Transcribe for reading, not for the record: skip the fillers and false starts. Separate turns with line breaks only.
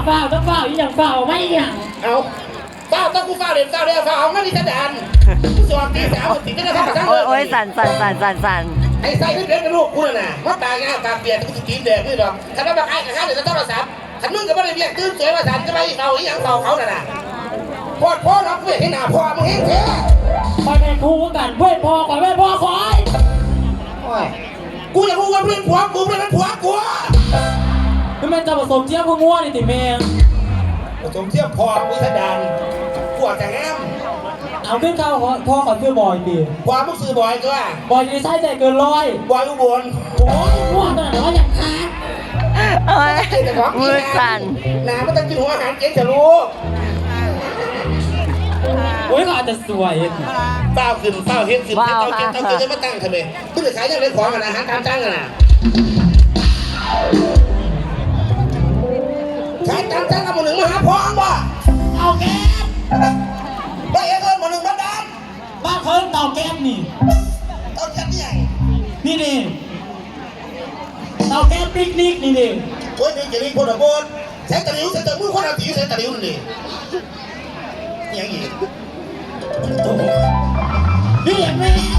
ต้องเฝ้าอีอย่างเฝ้าไม่อย่าง
เอาเฝ้าต้องกูเฝ้าเด่นเฝ้าเด่นเฝ้าเอาไม่มีกระดานกูสอนตีสามติดไม่ได้ทำกระทั่งเลย
โอ้ยสั่น
ไอ้ไส้ไม่เป็นกระดูกกูน่ะเพราะตายง่ายตาเปลี่ยนกูสกีมแดงนี่หรอกถ้าเราแบบไอ้กระทั่งเดี๋ยวจะต้องมาสับขันมึงกับไม่ได้เรียกตื่นสวยมาสันจะไปเฝ้าอีอย่างเฝ้าเขาน่ะพ่อเราเพื่อนให้หน้าพ่อมึงเห็นเถอะ
ไปเป็นครูกันเว้ยพ่อก่อนเว้ยพ่อคอย
กูอยากรู้ว่าเพื่อนผัวกูเพื่อนผัวกู
คือมันจะผสมเทียบพวกง่วนี่ติเมง
ผสมเทียบพ่อกูทะดานกูอาจจะแง้ม
เอาขึ้นเข้าพ่อขอซื้อบอยดิ
พ่อมึงซื้อบอยก็ว่า
บอยนี่ใช่ใจเกิน100
บอยอุบล
โอ้ยง่วงแต่ว่าอย่างค้า
มือสั่น
น้ำมันต้องกินหัวอาหารเก่งจะรู้
โอ้ยก็อาจจะสวย
เป้าขึ้นเป้าเฮ็ดขึ้นเป้าเก่งจะมาตั้งทำไมเพื่อขายยังไงของอาหารตามตั้งกันน่ะขายตามตั้งกับหนึ่งมาหาพองบ่
เอาแก๊ส
ไปเอิญหนึ่งมาดัน
บ้าเพิ่มเตาแก๊สนี่
เตาแก๊สนี่ใหญ่
นี่เตาแก๊สปิกนิกนี่
โอ้ยนี่จะรีบคนละบนใช้ตะลิ้วใช้ตะมือคนละตีใช้ตะลิ้วนี่ยังอีก
นี่อย่างนี้